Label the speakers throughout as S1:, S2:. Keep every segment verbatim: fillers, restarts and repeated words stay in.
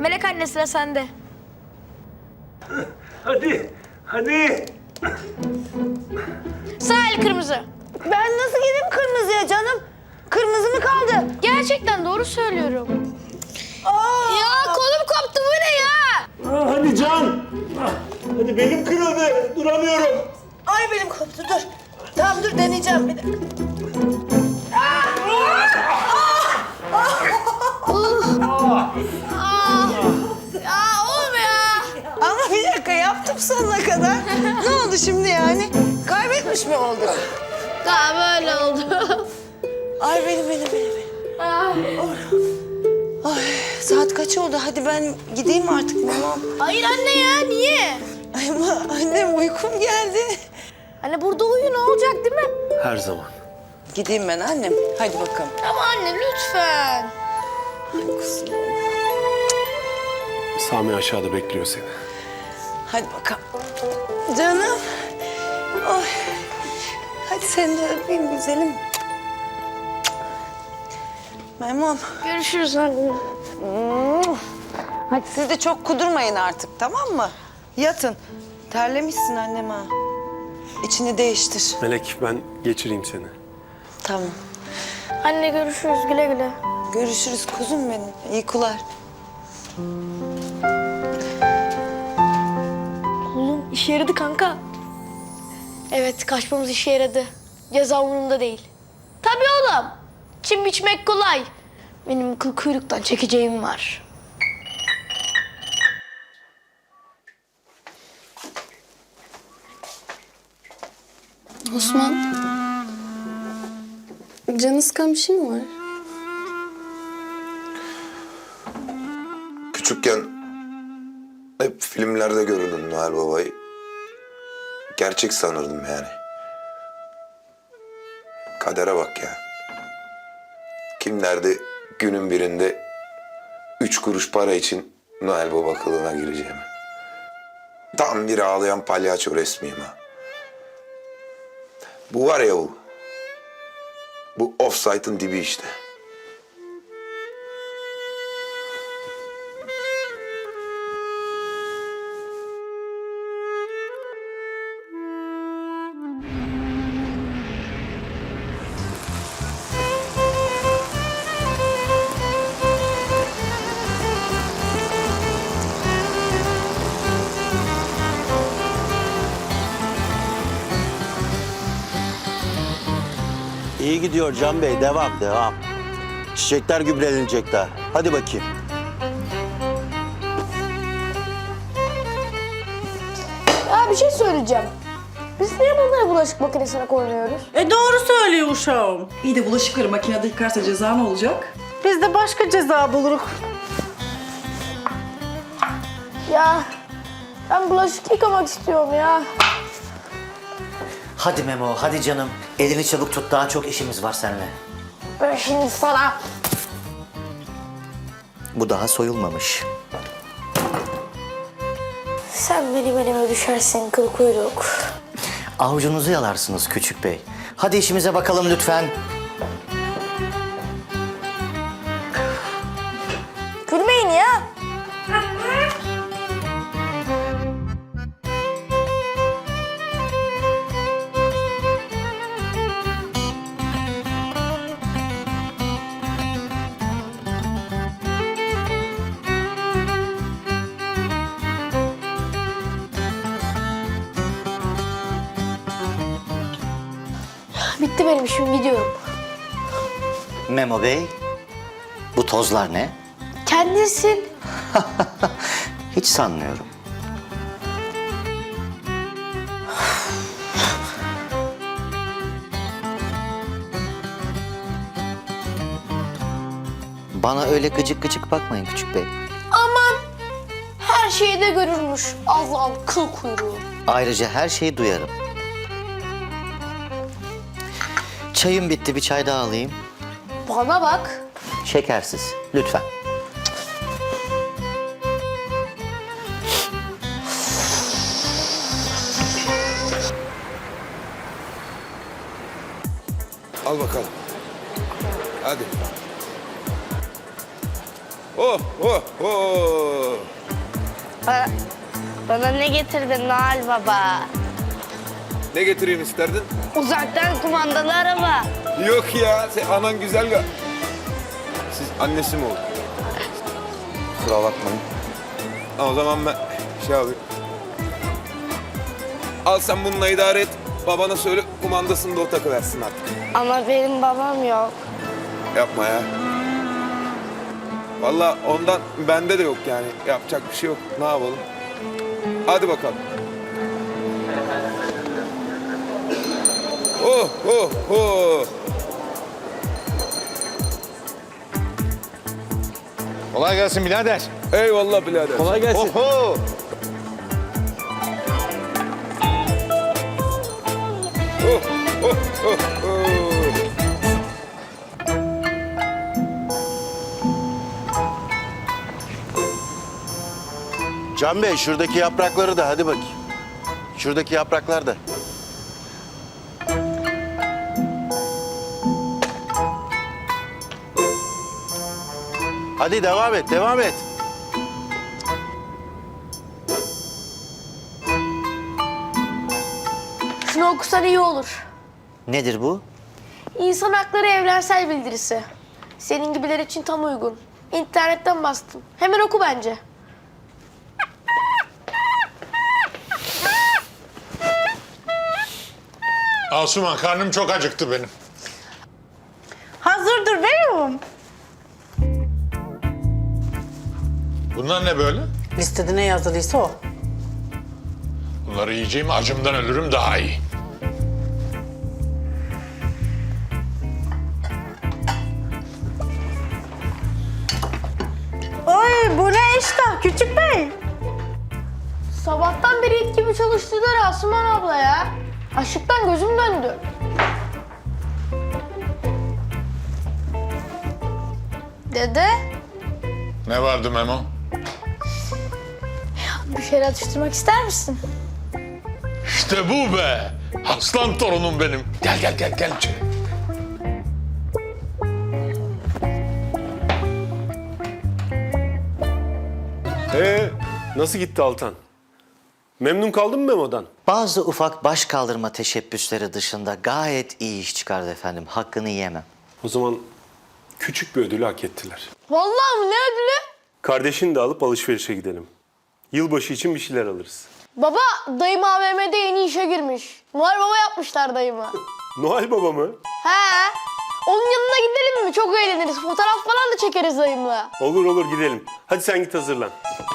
S1: Melek anne sıra sende.
S2: Hadi, hadi.
S1: Sağ el kırmızı.
S3: Ben nasıl gideyim kırmızıya canım? Kırmızı mı kaldı?
S1: Gerçekten doğru söylüyorum.
S3: Aa!
S1: Ya kolum koptu, bu ne ya?
S2: Ah, hadi Can. Ah, hadi belim kırıldı, duramıyorum.
S3: Ay benim koptu dur. Tamam dur deneyeceğim bir dakika.
S1: Ya oğlum ya.
S3: Ama bir dakika yaptım sonuna kadar. Ne oldu şimdi yani? Kaybetmiş mi olduk?
S1: Daha böyle oldu.
S3: Ay benim benim benim. benim. Ay saat kaç oldu? Hadi ben gideyim artık mamam.
S1: Hayır anne ya, niye?
S3: Ay ama annem uykum geldi.
S1: Anne burada uyu, ne olacak değil mi?
S2: Her zaman.
S3: Gideyim ben annem. Hadi bakalım.
S1: Ama anne lütfen.
S3: Ay kuzum.
S2: Sami aşağıda bekliyor seni.
S3: Hadi bakalım. Canım. Ay. Hadi seni de öpeyim güzelim. Memom.
S1: Görüşürüz anne.
S3: Hadi siz de çok kudurmayın artık tamam mı? Yatın. Terlemişsin annem ha. İçini değiştir.
S2: Melek, ben geçireyim seni.
S3: Tamam.
S1: Anne görüşürüz, güle güle.
S3: Görüşürüz kuzum benim. İyi kular.
S1: Oğlum işe yaradı kanka. Evet, kaçmamız işe yaradı. Ceza umurumda değil. Tabii oğlum. Çim biçmek kolay. Benim kıl kuyruktan çekeceğim var.
S4: Osman. Canı sıkan bir şey mi var?
S5: Küçükken hep filmlerde görürdüm Noel Baba'yı. Gerçek sanırdım yani. Kadere bak ya. Kim derdi günün birinde üç kuruş para için Noel Baba kılığına gireceğimi. Tam bir ağlayan palyaço resmiyim ha. Bu var ya bu. Bu offside'ın dibi işte.
S6: İyi gidiyor Can Bey. Devam, devam. Çiçekler gübrelenecek daha. Hadi bakayım.
S1: Ya bir şey söyleyeceğim. Biz niye bunları bulaşık makinesine koymuyoruz?
S7: E doğru söylüyor uşağım. İyi de bulaşıkları makinede yıkarsa ceza ne olacak? Biz de başka ceza buluruz.
S1: Ya ben bulaşık yıkamak istiyorum ya.
S8: Hadi Memo, hadi canım. Elini çabuk tut, daha çok işimiz var seninle.
S1: Ben şimdi sana...
S8: Bu daha soyulmamış.
S1: Sen benim elime düşersin kıl kuyruk.
S8: Avucunuzu yalarsınız küçük bey. Hadi işimize bakalım lütfen.
S1: Gülmeyin ya. Bitti benim işim, gidiyorum.
S8: Memo bey, bu tozlar ne?
S1: Kendisin.
S8: Hiç sanmıyorum. Bana öyle gıcık gıcık bakmayın küçük bey.
S1: Aman her şeyi de görürmüş Allah'ın kıl kuyruğu.
S8: Ayrıca her şeyi duyarım. Çayım bitti, bir çay daha alayım.
S1: Bana bak.
S8: Şekersiz, lütfen.
S5: Al bakalım. Hadi. Oh, oh, oh.
S1: Bana, bana ne getirdin Noel Baba?
S5: Ne getireyim isterdin?
S1: Uzaktan kumandalı araba.
S5: Yok ya, sen anan güzel ga. Siz annesi mi oldun? Kusura bakmayın. Ha, o zaman ben şey alayım. Al sen bununla idare et. Babana söyle kumandasını da o takıversin artık.
S1: Ama benim babam yok.
S5: Yapma ya. Vallahi ondan bende de yok yani. Yapacak bir şey yok. Ne yapalım? Hadi bakalım. Oh, oh, oh.
S9: Kolay gelsin birader.
S5: Eyvallah birader.
S2: Kolay gelsin.
S5: Oho. Oh, oh, oh, oh.
S6: Can Bey şuradaki yaprakları da hadi bakayım. Şuradaki yapraklar da. Hadi devam et, devam et.
S1: Şunu okusan iyi olur.
S8: Nedir bu?
S1: İnsan Hakları Evrensel Bildirisi. Senin gibiler için tam uygun. İnternetten bastım. Hemen oku bence.
S9: Asuman karnım çok acıktı benim.
S7: Hazırdır veriyorum.
S9: Bunlar ne böyle?
S7: Listede ne yazılıysa o.
S9: Bunları yiyeceğim acımdan ölürüm daha iyi.
S7: Oy bu ne iştah küçük bey?
S1: Sabahtan beri it gibi çalıştılar Asuman abla ya. Açlıktan gözüm döndü. Dede,
S9: Ne vardı Memo?
S1: bir şeyler atıştırmak ister misin?
S9: İşte bu be. Aslan torunum benim. Gel gel gel gel içeri.
S2: Ee, nasıl gitti Altan? Memnun kaldın mı Memo'dan?
S8: Bazı ufak baş kaldırma teşebbüsleri dışında gayet iyi iş çıkardı efendim. Hakkını yiyemem.
S2: O zaman küçük bir ödülü hak ettiler.
S1: Vallahi mı, ne ödülü?
S2: Kardeşini de alıp alışverişe gidelim. Yılbaşı için bir şeyler alırız.
S1: Baba, dayım A V M'de yeni işe girmiş. Noel Baba yapmışlar dayımı.
S2: Noel Baba mı?
S1: He. Onun yanına gidelim mi? Çok eğleniriz. Fotoğraf falan da çekeriz dayımla.
S2: Olur olur gidelim. Hadi sen git hazırlan.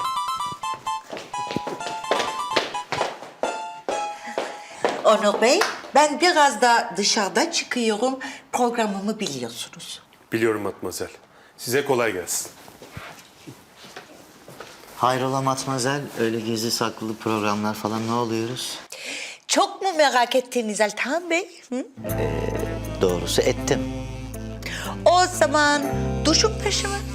S3: Onur Bey, ben biraz da dışarıda çıkıyorum. Programımı biliyorsunuz.
S2: Biliyorum Matmazel. Size kolay gelsin.
S8: Hayrola Matmazel, öyle gizli saklı programlar falan ne oluyoruz?
S3: Çok mu merak ettiniz Altan Bey? Hı?
S8: Doğrusu ettim.
S3: O zaman duşun peşime.